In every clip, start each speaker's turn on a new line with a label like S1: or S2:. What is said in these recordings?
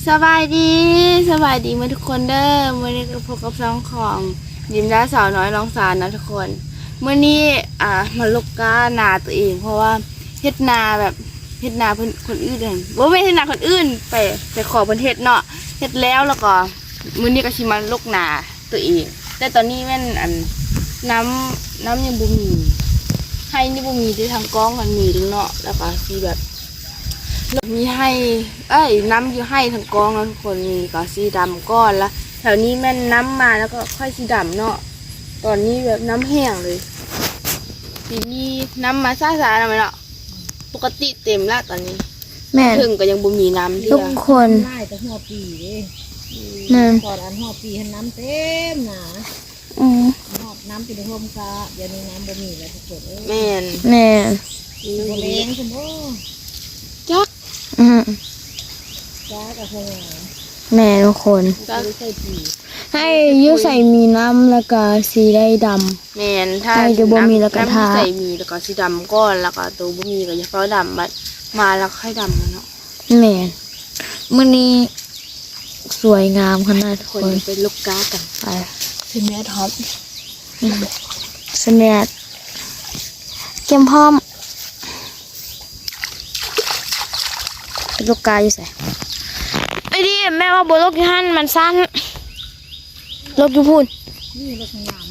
S1: สบายดีมาทุกคนเด้อมื่อนี้ก็พบกับช่องของยิมและสาวน้อยน้องสารนะทุกคนเมื่อนี้มาลกก้านาตัวเองเพราะว่าเฮ็ดนาแบบเฮ็ดนาเพิ่นคนอื่นเองบ่แม่นเฮ็ดนาคนอื่นไปขอเพิ่นเฮ็ดเนาะเฮ็ดแล้วก็มื้อนี้ก็สิมาลกนาตัวเองแต่ตอนนี้แม่นน้ำยังบ่มีให้นี่บ่มีที่ทางกองมันมีเนาะแล้วก็สิแบบมีให้น้ำอยู่ให้ทั้งกองแล้วทุกคนมีก็สีดำก้อนละแถวนี้แม่นน้ำมาแล้วก็ค่อยสีดำเนาะตอนนี้แบบน้ำแห้งเลยทีนี้น้ำมาซ่าๆแล้วไหมเนาะปกติเต็มละตอนนี้
S2: แม่
S1: ถึงก็ยังบ่มีน้ำ
S2: ทุกคน
S3: ไล่แต่หัวปีเด้ตอนอันหัวปีให้น้ำเต็มหนาหอบน้ำปีในห่มซาเดี๋ยวนี้น้ำบ่มีแล้วทุกคน
S1: แม่น
S3: บ่เลี้ยงคุณพ่อ
S1: จัก
S3: กับพวก
S2: แม่ทุกคนให้ยืดใส่มีน้ำแล้วก็สีได้ดำ
S1: แม่นถ้า
S2: จะบ่มีแล้วก็ทา
S1: ใส่มีแล้วก็สีดำก้อนแล้วก็ตัวบ่มีก็จะเฝ้าดำบัดมาแล้วค่อยดำเนาะ
S2: แม่มื้อนี้สวยงามขนาดทุกคน
S1: เป็นลูกก้ากัน
S2: ไป
S1: เป็นแม่ท็อป
S2: สแนดเก็มพร้อมลูกกาอยู่ใส่ไอ้ดิแม่ว่าบนโลกที่หันมันสั้นโลกอยู่พูน
S3: นี่โลกงาม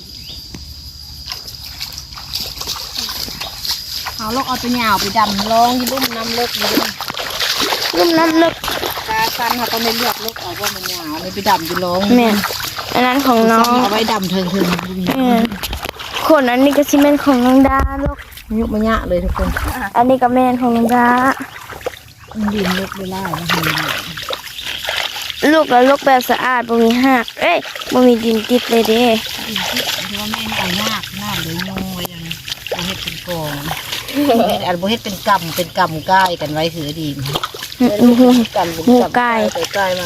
S3: เอาโลกเอาไปหยาวไปดำลองยี่รุ่มน้ำเลิกยี่
S2: รุ่มน้ำเลิก
S3: กาสั้นค่ะต้องไม่เลือกโลกเอาว่ามันหยาวเลยไปดำอยู่ลอง
S2: แม่อันนั้นของน้อง
S3: เอาไว้ดำเถิง
S2: คนอันนี้ก็ชิเมนของน้องดาลูก
S3: ยุบมันยะเลยทุกคน
S2: อันนี้ก็แม่ของน้องดา
S3: ดินลูกไม่ไล่
S2: ลูกแล้วลูกแบบสะอาดบ่มีหักบ่มีดินติดเลยเด้
S3: เพราะว่าแม่เอายากหน้าเลยงงไว้ยังเอาเฮ็ดเป็นกองอันบ่เฮ็ดเป็นกำก้ายกันไว้ถือดี
S2: หูไก่
S3: มา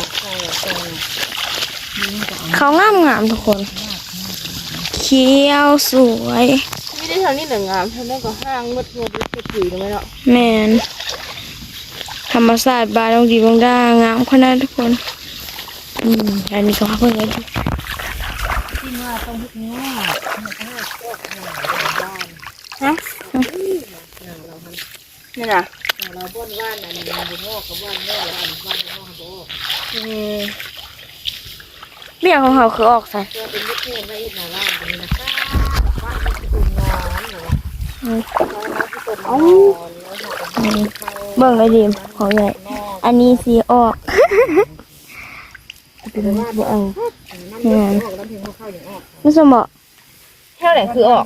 S2: เขางามทุกคนเขียวสวย
S1: ไม่ได้เท่านี้เหลืองามเท่านั้นก็ห้างมืดงบเป็นผีเลยไหมเนาะ
S2: แม่นธรรมศาสตร์บานลงดีบางด้างามขนาดทุกคนอันนี้ก็เพิ่งเลย
S3: ที่ว่าต้องพุกง้อ
S1: ฮะนี่นะ
S3: เราบ้านว่านอันนี้บุญงอกกับว่านแม่ว่านงอกโบ
S2: เบี้ยของเขาคือออกใส่
S3: เป็นเพื่อนไว้อีกหน้าบ้านนี้นะคะบ้านที่ตุ่มนอนหรือ
S2: เบิ่งเลยดิมของใหญ่อันนี้สีออกไม่สมบอก
S1: เท่าไหร่คือออก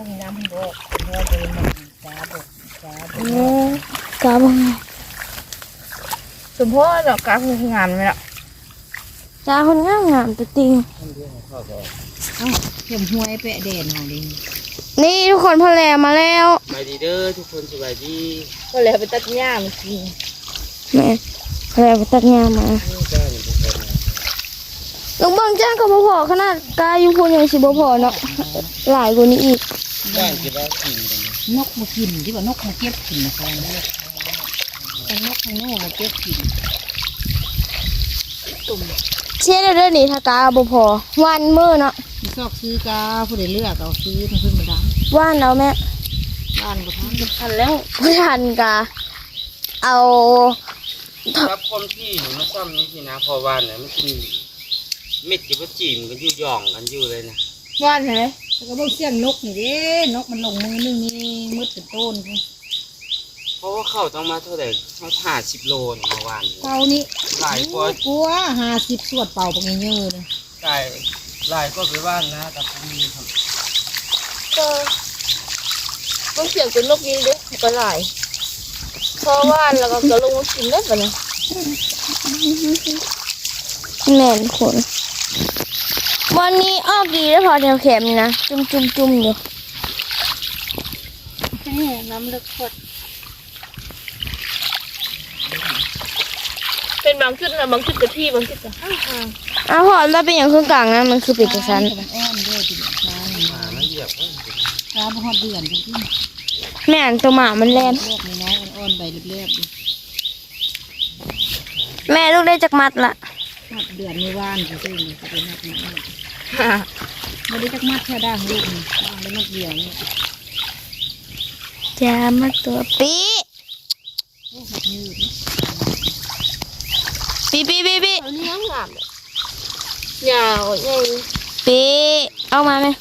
S2: กาบัง
S1: สมมติดอกกาคืองามไหมล่ะ
S2: จ้าคนงามตัวจริง
S3: เข็มห้วยเปะเด่นของดิ
S2: นี่ทุกคนพอแลมาแล้ว
S1: สบายดีเด้อทุกคนสบายดีพอแลไปตัดหญ้ามากิน
S2: แม่พอแลไปตัดหญ้ามาลุงเบิ้งจ้างก็บ่พอขนาดกาอยู่พูนยังสิบ่พอเนาะหลายกว่านี้อีก
S1: บ้านกี่บ้านกิน
S3: นกมากินที่ว่านกมาเก็บกินนะคะนกข้างนอกมาเก็บกิน
S2: เชื่อเรื่องนี้ถ้ากาบ่พอวันมื้อเนาะ
S3: ซอกซื้อกาผู้ใดเลือกเอาซื้อทั้งขึ้นมาดัง
S2: ว่านเอาแม่
S3: ว่านก็
S1: ทันแล้ว
S2: ไม่ทันกาเอา
S1: ครับความที่หนูมาซ่อมนี่สินะพอว่านเนี่ยมันกินเม็ดกับจีมกันอยู่ย่องกันอยู่เลยนะ
S2: ว่านใช่ไหม
S3: แล้วก็บอกเสียงนกนี่เด้นกมันลงมือนึงนี่มืดเป็นต้น
S1: เพราะว่าเข้าต้องมาเท่าไหร่เขา50 โลเมื่อวาน
S3: เป่านี่
S1: หลายก
S3: ว่า50สวดเป่าปงเยอะเลย
S1: ใช่หลายก็ไปว่านนะแต่ผมมีครับ
S2: ต้องเสียงเป็นนกยิงด้วยก็หลายเพราะว่านแล้วก็ลงมากินได้ปะเนี่ยแม่นคนวันนี้ออกดีแล้วพอแถวแขมนี่นะจุ่มอยู่
S1: น้ำเลือดขวด
S2: เป็นบางจุดนะบางจุดกับที่บางจุดกับอ้าวพอแล้วเป็นอย่างเครื่องกลางนะมันคือปิดกระสัน
S3: ไม่เหยียบช้าพอเดือนจริง
S2: แม่นตัวหมามันแล่น
S3: โลกน้อยอ่อนใบเรียบ
S2: แม่ลูกได้จากมัดละ
S3: มัดเดือนไม่ว่านจริงๆจะเป็นมัดนี้ไม่ได้จักมัดแค่ด่างลูกนี่ด่างได้มัดเดียวนี่
S2: จะมาตัวปี
S3: โอ้หักยืดนะ
S2: ปี
S1: อันนี้งามเลยยาวใหญ่
S2: ปีเอามาไหม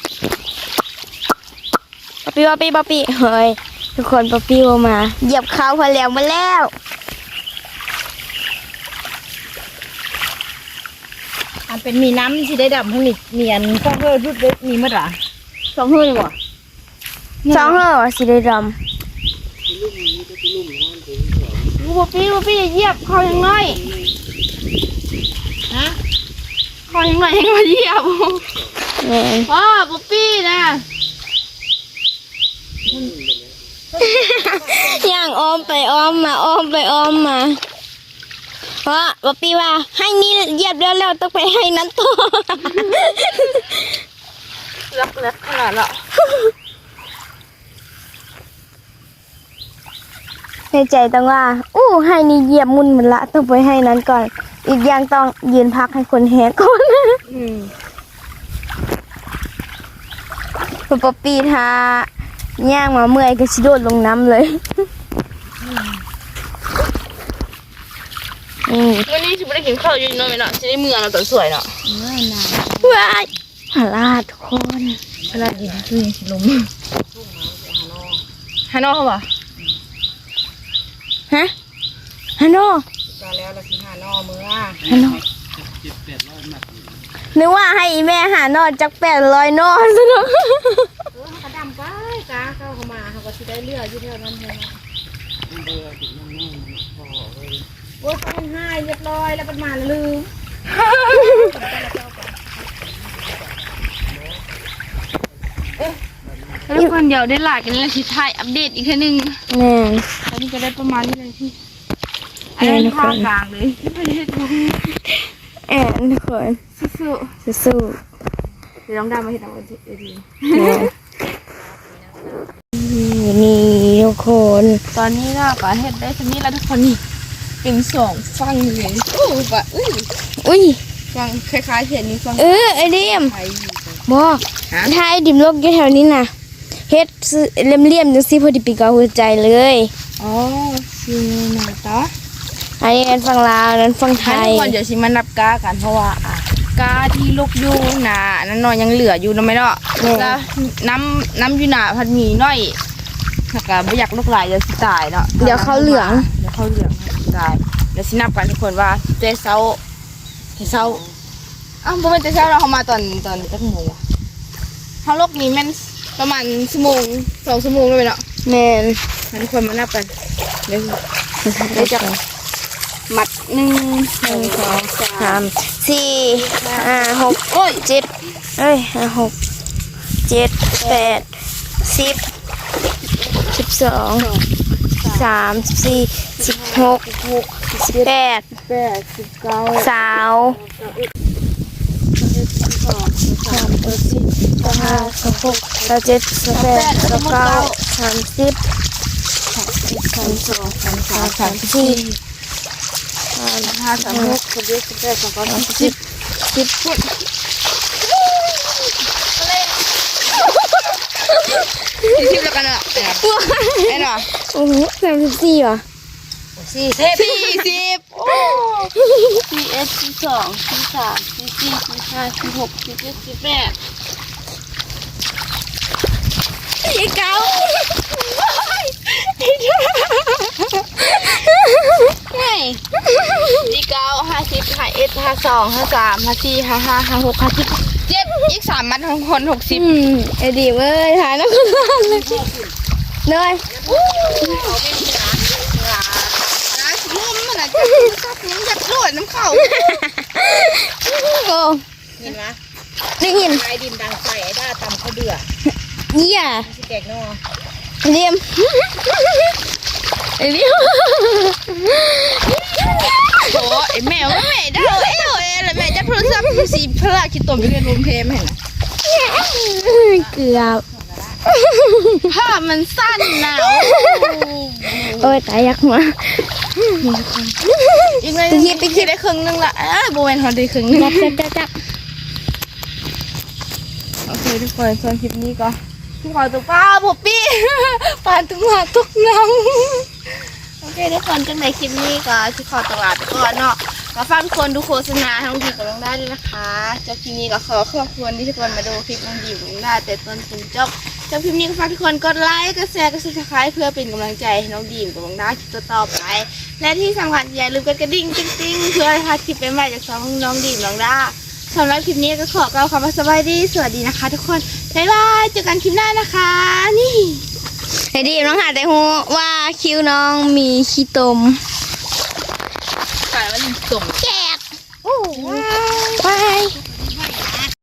S2: ป๊อปปี้เฮ้ยทุกคนป๊อปปี้เอามาเหยียบเขาพอแล้วมาแล้ว
S3: อันเป็นมีน้ำที่ได้ดำทั้งนี้มีอันข้าวเพื่อรุดได้มีมัดหรอ
S1: สองเฮือนบ่
S2: สองเหรอสีได้ด
S1: บ่ปี้อย่าเหยียบเขายังน้อย
S3: ฮะ
S1: เขายังน้อยยังมาเหยียบ
S2: ำนี่
S1: ว้าบ่ปี้นะ
S2: ย่างอ้อมไปอ้อมมาเพราะป๊อปปี้ว่าให้นี่เหยียบแล้วต้องไปให้นั้นต่อ
S1: รักขนาดละ
S2: ในใจต้องว่าให้นี่เหยียบมุนหมดละต้องไปให้นั้นก่อน อีกอย่างต้องยืนพักให้คนแหกก่อน พอป๊อปปี้ทาย่างมาเมื่อยก็ชิโดดลงน้ำเลย
S1: วันนี้ฉันไม่ได้กินข้าวอยู่น้อยไหมเนาะจะได้เมืองเราตัวสวยเนาะ
S3: ง่ายนาน
S2: ว้ายหาลาดทุกคน
S3: เวลาดินคือยังสิลม
S1: ฮานอเขาบ่
S2: ฮะฮันโน
S3: ก็แล้วเราสิหานอมือ
S2: ฮันโนนึกว่าให้อีแม่หานอจัก800นอซะเนาะ
S3: กระดำไปกาเข้ามาเขาก็สิได้เลือดอยู่เท่านั้นเลยโอ้ยเขาให้เรียบร้อยแล้วมันมาลืม
S1: ทุกคนเดี๋ยวได้หลายกันแล้วชิถ่ายอัปเดตอีกทีนึง
S2: แน่น
S1: ตอนนี้ก็ได้ประมาณนี้เลยพี่อันนี้ภาคกลางเลยไม่ได้ดู
S2: แอนทุกคน
S1: สู้
S2: สู้
S1: ๆเดี๋ยวน้องดามาเห็นเอาดี
S2: ๆแน่นี่ทุกคน
S1: ตอนนี้ก็เห็ดได้ทีนี้แล้วทุกคนนี่เป็นสองฟังเลยโอ้ปะ
S2: อุ้ย
S1: ฟังคล้ายๆเห็ดนี้ฟัง
S2: ไอเดียม
S1: ไทย
S2: บอกถ้าไอดิมโลกอยู่แถวนี้น่ะเฮ็ดเลี่ยมๆจังซี่พอดีปีกเอาหัวใจเลย
S1: อ๋อคือหน้าตา
S2: อันนี้ฝั่งลาวนั้นฝั่งไท
S1: ทุ
S2: ย
S1: กคนเดี๋ยวชิมานับกากันเพราะว่าอ่ะกาที่ลูกอยู่หนานั้นนอนยังเหลืออยู่นะไหมเนาะแล้วน้ำอยู่หนาพันมีน้อยถ้าก็ไม่อยากลูกหลายเดี๋ยวสิตายเนาะ
S2: เดี๋ยวเขาเหลือง
S1: เดี๋ยวเขาเหลืองตายเดี๋ยวสินับกันทุกคนว่าเจ๊เซาอ้าวบ่เป็นเจ๊เซาเราเขามาตอนจักโมงวะเขาลกนี้แม่นประมาณชั่วโมง2 ชั่วโมงเลยเนาะ
S2: แม่น
S1: งั้นทุกคนมานับกันเดี๋ยวจะมัด1 2 3
S2: 3 4 5 6
S1: โอ้ย
S2: 7 5 6 7 8 10 12 13 14 16 18
S1: 8 19
S2: สาว5 6 7 8 9 30 34
S1: 5 3 6 7 8 9 10 10ฟุต10แล้วกันอ่ะเอ็นอ่ะ
S2: โอ้โห34ว่ะ
S1: 40โอ้41 42 43 44 45 46 47 48อีกเก้าไงอีกเก้า50 51 52 53 54 55 56 57อีก3 มัดทั้งคน60
S2: ไอ้ดีเว้ยถ่ายแล้วก็นานเลยเลย
S1: นะลุ่มมันอ่ะจับมันอยากโดดน้ำเข่า
S2: โอ้
S3: เห็นไหม
S2: ได้ยิน
S3: ไอ้ดินดังไฟไอ้ด้าตำข้าวเดือด
S2: เยี่ย
S3: สิแกงนอ
S2: เรียมไอ้เรียม
S1: โอ้ไอแมวแม่ได้เอ้ยแล้วแม่จะโทรศัพท์สีพระคิดตมไปเรียนรวมเพลมเห็นไหม
S2: เกือบ
S1: ผ้ามันสั้นหนาว
S2: โอ้ยตายยักษ์มา
S1: อีกหน่อยไปคิดได้ครึ่งนึงละโบเวนเขาได้ครึ่งนึง
S2: จับ
S1: โอเคทุกคนส่วนคลิปนี้ก็ทุกคนตัวป้าผมปี้ ปานตุ้งหาทุกน้ำโอเคทุกคนจังในคลิปนี้ก็ที่ขอตลาดไปก่อนเนาะมาฟังทุกคนดูโฆษณาน้องดีกับน้องได้ด้วยนะคะจบคลิปนี้ก็ขอขอบคุณที่ทุกคนมาดูคลิปน้องดีกับน้องได้แต่ต้นถึงจบคลิปนี้ก็ฝากทุกคนกดไลค์กดแชร์กดซับสไครต์เพื่อเป็นกำลังใจให้น้องดีกับน้องได้คลิปต่อไปและที่สำคัญอย่าลืมกดกระดิ่งติ๊งๆเพื่อให้พลาดคลิปใหม่ๆจากช่องน้องดีกับน้องได้สำหรับคลิปนี้ก็ขอกล่าวคำว่าสบายดีสวัสดีนะคะทุกคนบ๊ายบายเจอกันคลิปหน้านะคะนี่
S2: ไอ้ดิน้องหาแต่ฮู้ว่าคิ้วน้องมีขี้ตม
S1: กลายว่าส่ง
S2: แจกโอ้ว้าย